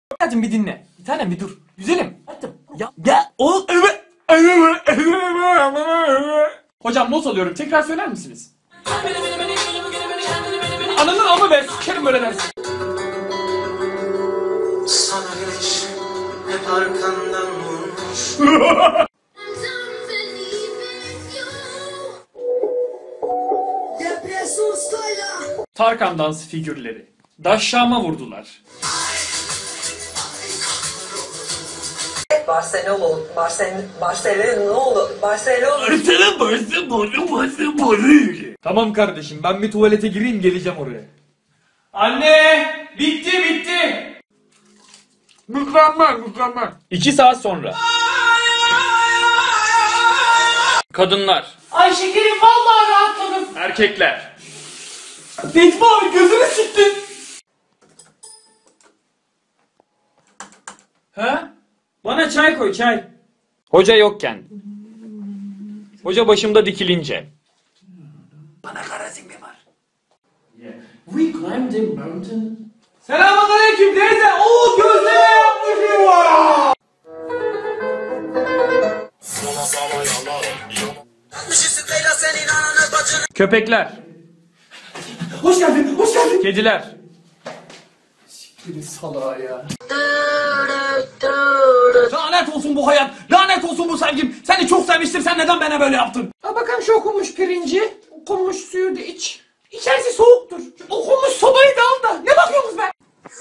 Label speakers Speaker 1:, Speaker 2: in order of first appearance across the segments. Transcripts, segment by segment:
Speaker 1: Hadi bir dinle. Bir tanem bir dur. Güzelim. Hadi. Ya o Hocam not alıyorum. Tekrar söyler misiniz? Ananın amı be. Sikerim böyle dersin.
Speaker 2: Sana güneş hep arkandan vurmuş.
Speaker 1: Tarkan dans figürleri. Daşşama vurdular. Tamam kardeşim ben bir tuvalete gireyim geleceğim oraya. Anne! Bitti! Mükemmel. 2 saat sonra. Kadınlar. Ay şekerim vallahi rahatladım. Erkekler. Necmi abi gözünü siktin. Ha? Bana çay koy çay. Hoca yokken. Hoca başımda dikilince. Bana karazin var. We climbed a mountain. Selamünaleyküm teyze. Oo gözleme yapmışım var. Köpekler. Hoş geldin. Kediler. Siktirin salağa ya. Lanet olsun bu hayat. Lanet olsun bu sevgim. Seni çok sevmiştim. Sen neden bana böyle yaptın? Ha bakalım şu okunmuş pirinci. Okunmuş suyu da iç. İçerisi soğuktur. Okunmuş sobayı da al da. Ne bakıyorsunuz be?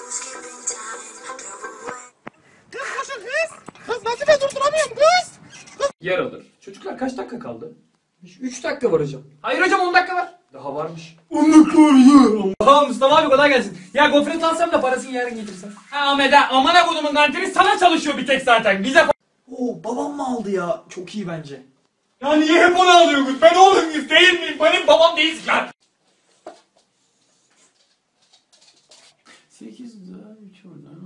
Speaker 1: Kız nasıl ben durduramıyorum kız? Yer alır. Çocuklar kaç dakika kaldı? 3 dakika var hocam. Hayır hocam 10 dakika var. Daha varmış. 10 dakika var ya. Tamam Mustafa abi kolay gelsin. Ya gofret alsam da parasını yarın getirsen. Ha Ahmet ha amana kodumun kantini sana çalışıyor bir tek zaten. Bize Oo babam mı aldı ya? Çok iyi bence. Ya niye hep onu alıyorsunuz? Ben oğlum muyuz değil miyim? Benim babam değiliz lan. 8 daha 3 oradan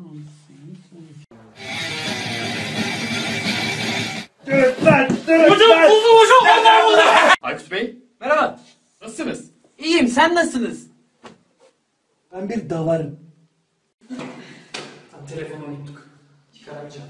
Speaker 1: 18. Hocam buldum hocam. Aykut Bey. Merhaba. Nasılsınız? İyiyim sen nasılsınız? Ben bir davarım. Tam telefonu unuttuk. Çıkaramayacağım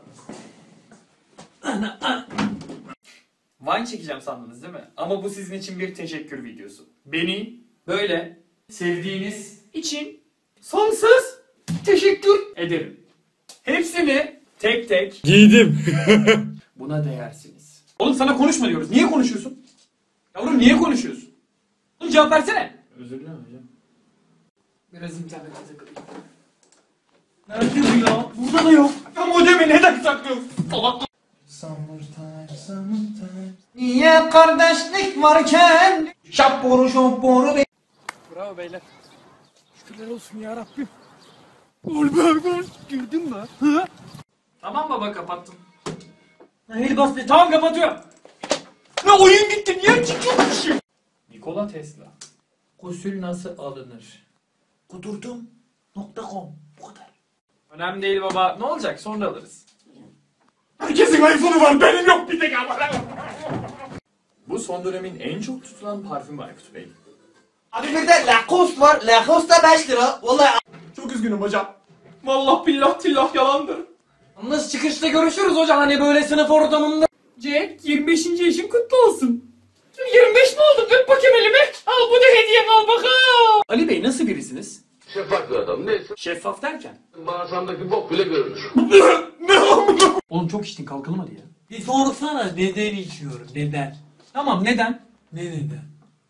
Speaker 1: valla. Vine çekeceğim sandınız değil mi? Ama bu sizin için bir teşekkür videosu. Beni böyle sevdiğiniz için sonsuz teşekkür ederim. Hepsini tek tek giydim. Buna değersiniz. Oğlum sana konuşma diyoruz. Niye konuşuyorsun? Yavrum niye konuşuyorsun? Oğlum cevap versene. Özür dilerim hocam. Biraz internete takılayım. Nerede bu ya? Burada da yok. Ya modemi neden saklıyorsun? Salak. Summertime. Niye kardeşlik varken? Şapboru be. Bravo beyler. Şükürler olsun ya Rabbim. Gol girdin mi? Hı? Tamam baba kapattım. Hayır bas be. Tamam kapatıyorum. Ne oyun gitti niye çıkıyormuşum? Nikola Tesla. Gusül nasıl alınır? Kudurdum.com. Bu kadar. Önemli değil baba. Ne olacak? Sonra alırız. Herkesin iPhone'u var. Benim yok bir tek ama. Bu son dönemin en çok tutulan parfümü Aykut Bey.
Speaker 3: Abi bir de Lacoste var. Lacoste da 5 lira. Vallahi.
Speaker 1: Çok üzgünüm hocam. Vallahi billah tillah yalandır. Nasıl çıkışta görüşürüz hocam hani böyle sınıf ortamında. Jack 25. yaşın kutlu olsun. 25 mi oldun? Öp bakayım elimi. Al bu da hediyen al bakalım. Ali Bey nasıl birisiniz?
Speaker 4: Şeffaf bir adam. Neyse.
Speaker 1: Şeffaf derken?
Speaker 4: Bağırsamdaki bok bile görünür.
Speaker 1: Oğlum çok içtin kalkalım hadi ya.
Speaker 3: Bir sorsana neden içiyorum? Neden?
Speaker 1: Tamam neden?
Speaker 3: Ne neden?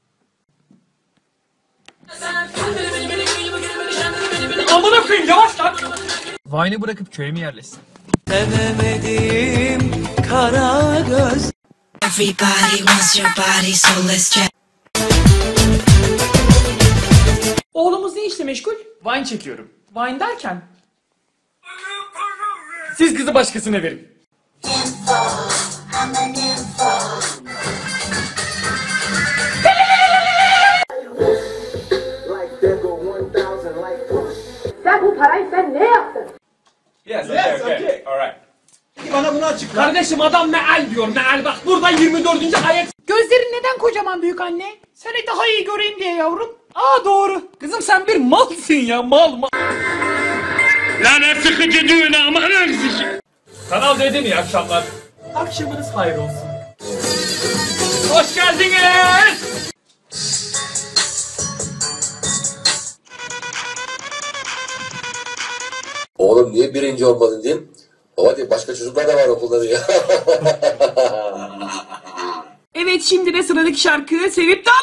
Speaker 1: Amına koyayım yavaş lan. Vine'ı bırakıp köye mi yerleşsin?
Speaker 3: Sevemedim kara göz.
Speaker 5: Everybody wants your body, so let's chat.
Speaker 1: Oğlumuz ne işle meşgul? Vine çekiyorum. Vine derken? Siz kızı başkasına verin.
Speaker 6: Sen bu parayı sen ne yaptın?
Speaker 1: Yes, okay. Alright.
Speaker 3: Peki bana bunu açıkla.
Speaker 1: Kardeşim adam meal diyor meal bak burada 24. ayet. Gözlerin neden kocaman büyük anne? Seni daha iyi göreyim diye yavrum. Aa doğru. Kızım sen bir malsın ya mal. Lanet sıkıcı düğün aman Kanal dedim iyi akşamlar. Akşamınız hayır olsun. Hoş geldiniz.
Speaker 7: Oğlum niye birinci olmadın diyeyim. Baba diye başka çocuklar da var okulda diyor.
Speaker 8: Evet, şimdi de sıradaki şarkı sevip de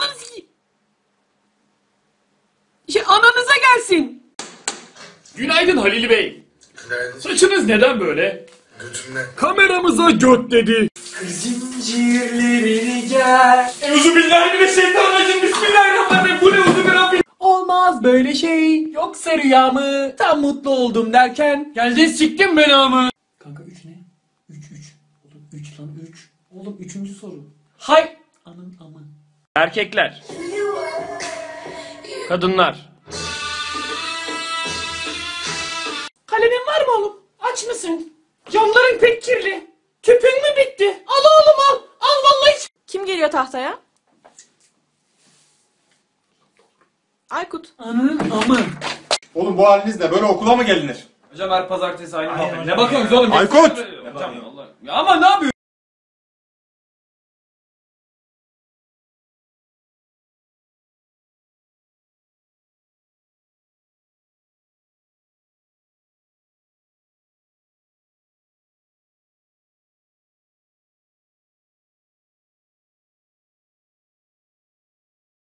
Speaker 8: ananıza gelsin.
Speaker 1: Günaydın Halil Bey.
Speaker 2: Günaydın.
Speaker 1: Saçınız neden böyle?
Speaker 2: Götümle.
Speaker 1: Kameramıza göt dedi.
Speaker 3: Zincirlerini gel.
Speaker 1: Euzubillahimineşşeytanirracim. Bismillahirrahmanirrahim. Bu ne uzun bir Rabbim.
Speaker 8: Olmaz böyle şey, yoksa rüya mı? Tam mutlu oldum derken
Speaker 1: Geldin siktin belamı.
Speaker 8: kanka 3 ne? 3 oğlum 3 lan 3. Oğlum 3. soru. Hay anın amı.
Speaker 1: Erkekler. Kadınlar.
Speaker 8: Kalemin var mı oğlum? Aç mısın? Camların pek kirli. Tüpün mü bitti? Al oğlum al. Al vallahi.
Speaker 9: Kim geliyor tahtaya? Aykut.
Speaker 8: Anın amı.
Speaker 10: Oğlum bu halinizle böyle okula mı gelinir?
Speaker 1: Hocam her pazartesi aynı muhabbet. Ne bakıyorsunuz oğlum?
Speaker 10: Aykut!
Speaker 1: Hocam, Allah. Ya ama ne yapıyorsun?